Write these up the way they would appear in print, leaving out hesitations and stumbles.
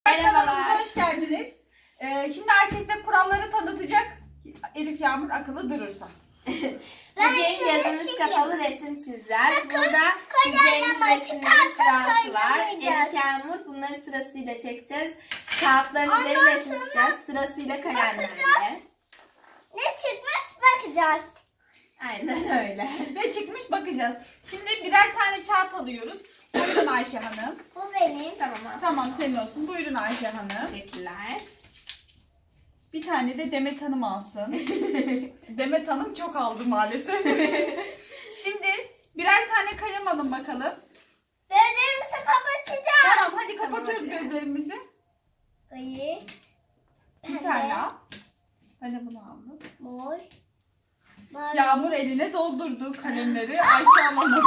Kanalımıza hoş geldiniz. Şimdi Ayşe size kuralları tanıtacak. Elif Yağmur akıllı durursa. Bugün gözümüz kapalı resim çizeceğiz. Burada çizeceğimiz resimlerin sırası var. Elif Yağmur bunları sırasıyla çekeceğiz. Kağıtların üzerine resim çizeceğiz. Sırasıyla kalemlerle. Ne çıkmış bakacağız. Aynen öyle. Ne çıkmış bakacağız. Şimdi birer tane kağıt alıyoruz. Buyurun Ayşe Hanım. Bu benim. Tamam abi. Tamam senin olsun. Buyurun Ayşe Hanım. Teşekkürler. Bir tane de Demet Hanım alsın. Demet Hanım çok aldı maalesef. Şimdi birer tane kalem alın bakalım. Gözlerimizi kapatacağız. Tamam hadi kapatıyoruz Tamam, hadi. gözlerimizi. Ayı. Bir tane al. Ben de bunu aldım. Mor. Mavi. Yağmur eline doldurdu kalemleri. Ayşe alamadı.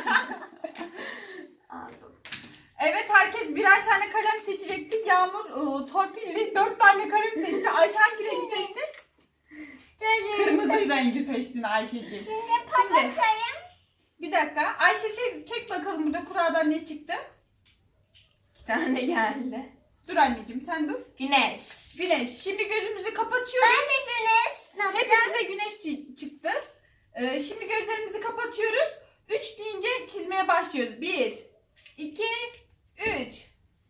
Aldım. Evet herkes birer tane kalem seçecekti. Yağmur torpilli 4 tane kalem seçti. Ayşe hangi rengi seçti? Gözlerimizi. Kırmızı rengi seçtin Ayşeciğim. Şimdi kapatayım. Bir dakika. Ayşe çek bakalım burada kuradan ne çıktı? 2 tane geldi. Dur anneciğim sen dur. Güneş. Güneş. Şimdi gözümüzü kapatıyoruz. Ben de güneş. Ne yapacağım? Hepimize güneş çıktı. Şimdi gözlerimizi kapatıyoruz. 3 deyince çizmeye başlıyoruz. 1, 2, 3.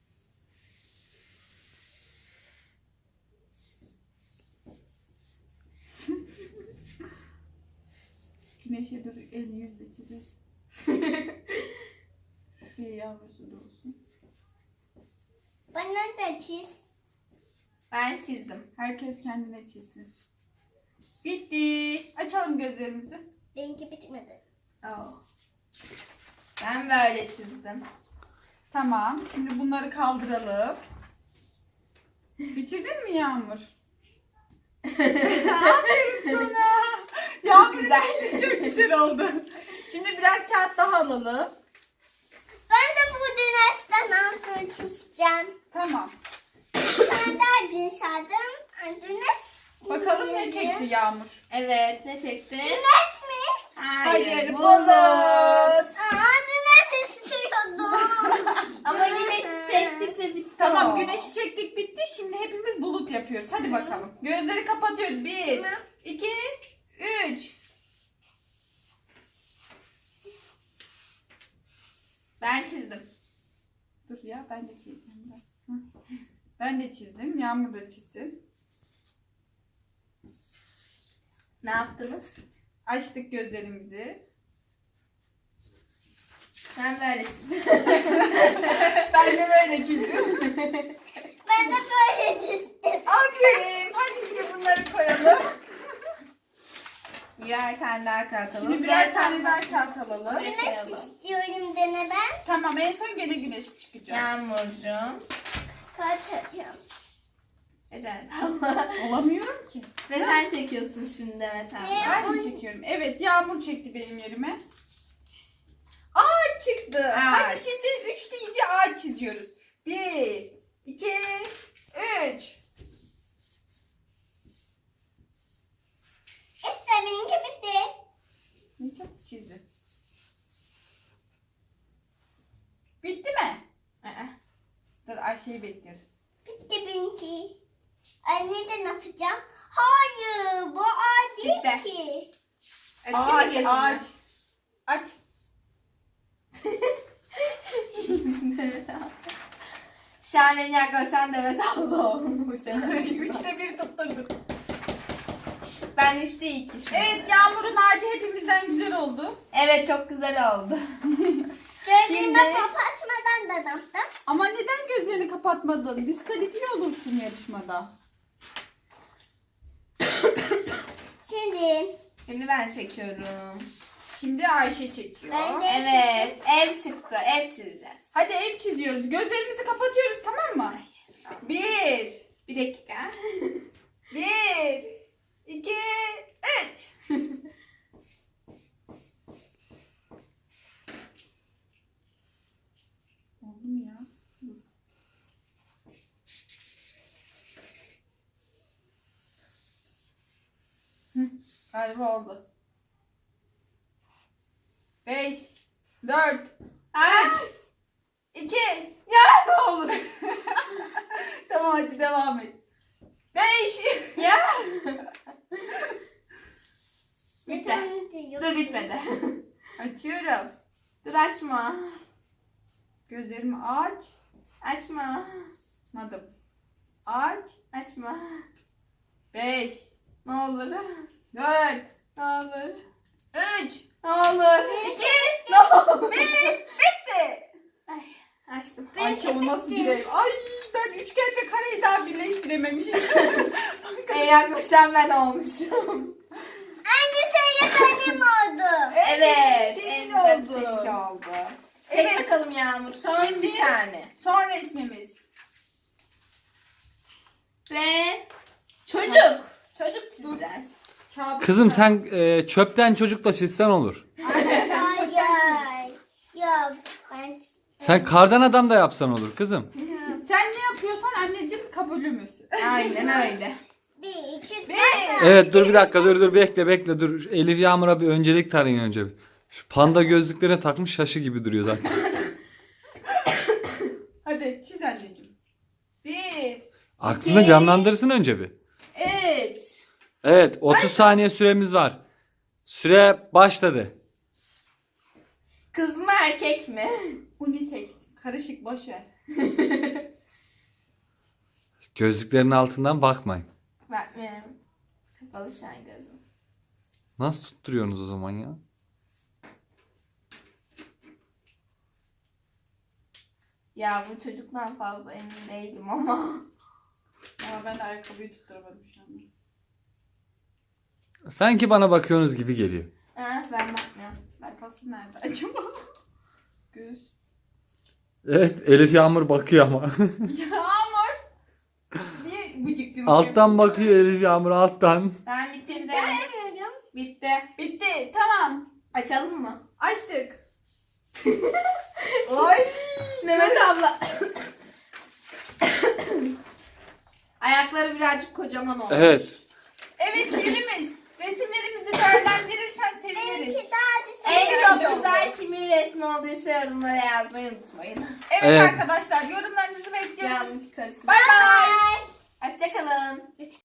Güneşe dur elini yüzle çizelim. Bir yavrusu da olsun. Bana da çiz. Ben çizdim. Herkes kendine çizsin. Bitti. Açalım gözlerimizi. Benimki bitmedi. Oh. Ben böyle çizdim. Tamam. Şimdi bunları kaldıralım. Bitirdin mi Yağmur? Aferin sana. Yağmur Güzel. çok güzel oldu. Şimdi birer kağıt daha alalım. Ben de bu güneşten nasıl çizeceğim. Tamam. Ben de güneş aldım. Güneş. Bakalım ne çizeceğim. çekti Yağmur. Evet, ne çektin? Güneş mi? Hayır, bulut. Aa, güneş istiyordum. Ama güneşi çektik ve bitti. Tamam o. güneşi çektik bitti. Şimdi hepimiz bulut yapıyoruz. Hadi bakalım. Gözleri kapatıyoruz. 1, Tamam. 2, 3. Ben çizdim. Dur ya ben de çizeyim. Hı. Ben de çizdim. Yağmur da çizsin. Ne yaptınız? Açtık gözlerimizi. Ben böyle çizdim. Ben de böyle çizdim. Ben de böyle çizdim. Aferin. Hadi şimdi bunları koyalım. Birer tane daha kağıt Şimdi birer tane daha kağıt alalım. Güneş istiyorum dene ben. Tamam en son gene güneş çıkacak. Yağmurcuğum. Kaçacağım. Neden? Tamam. Olamıyorum ki. Ve sen çekiyorsun şimdi Demet abla. Ben mi çekiyorum? Evet Yağmur çekti benim yerime. Ağaç çıktı. Hadi Ağaç. şimdi 3 deyince ağaç çiziyoruz. 1, 2, 3. İşte benimki bitti. Ne çok çizdi. Bitti mi? Aa, Dur Ayşe'yi bekliyoruz. Bitti benimki. Anne de ne yapacağım? Hayır, bu ağaç değil Bitti. ki. Açayım Ağaç, gözünü. ağaç. Aç. Demet abla. Şu an en yaklaşan Demet abla olmuş. 3'te 1 tutturduk. Ben 3'te 2 şu an. Evet Yağmur'un ağacı hepimizden güzel oldu. Evet, çok güzel oldu. Gözlerimi Şimdi- kapatmadan da yaptım. Ama neden gözlerini kapatmadın? Diskalifiye olursun yarışmada. Şimdi Şimdi ben çekiyorum. Şimdi Ayşe çekiyor. Ben de- Evet, ev çıktı. Ev çizeceğiz. Hadi ev çiziyoruz. Gözlerimizi kapatıyoruz tamam mı? 1, Bir dakika. 1, 2, 3. Oldu mu ya? Dur. Galiba oldu. 5, 4, Aa, 2. ya ne olur. hadi devam et. 5. Ya. Bitti. Dur bitmedi. Açıyorum. Dur açma. Gözlerimi aç. Açma. Açmadım. Aç. Açma. 5. Ne olur. 4. Ne olur. 3. Ne olur. 2. Ne olur. 1. Bitti. Ay, açtım. Ayşe o nasıl bir ev? Ay ben üçgenle kareyi daha birleştirememişim. En yaklaşan ben olmuşum. En güzel benim oldu. Evet. senin En güzel oldu. seninki oldu. Çek Evet. bakalım Yağmur. Son Şimdi- bir tane. Son resmimiz. Ve çocuk. Çocuk çizeceğiz. Kağıdı Kızım çıkar. sen çöpten çocuk da çizsen olur. Aynen sen çöpten çiz. Hayır. Yok. Ben Sen kardan adam da yapsan olur kızım. Sen ne yapıyorsan anneciğim kabulümüz. Aynen öyle. 1, 2, 3, Bir. Evet dur bir dakika dur bekle dur. Elif Yağmur'a bir öncelik tarayın önce. Şu panda gözlüklerine takmış şaşı gibi duruyor zaten. Hadi çiz anneciğim. 1. Aklını canlandırsın önce bir. 3. Evet 30 saniye süremiz var. Süre başladı. Kız mı erkek mi? Unisex. Karışık boş ver. Gözlüklerin altından bakmayın. Bakmıyorum. Kapalı şu an gözüm. Nasıl tutturuyorsunuz o zaman ya? Ya bu çocuktan fazla emin değilim ama. Ama ben de ayakkabıyı tutturamadım şu anda. Sanki bana bakıyorsunuz gibi geliyor. Ha, ben bakmıyorum. Kafası nerede acaba? Göz. Evet Elif Yağmur bakıyor ama. Yağmur. Niye bıcıklığını Alttan bakıyor Elif Yağmur alttan. Ben bitirdim. yapıyorum. Bitti. Bitti. Tamam. Açalım mı? Açtık. Ay. Mehmet abla. Ayakları birazcık kocaman olmuş. Evet. Evet yerimiz. Resimlerimizi değerlendirirsen seviniriz. Benimki daha güzel. En çok Güzel güzel kimin resmi olduysa yorumlara yazmayı unutmayın. Evet, Evet. arkadaşlar yorumlarınızı bekliyoruz. Yalnız karışma. Bay bay. Hoşçakalın.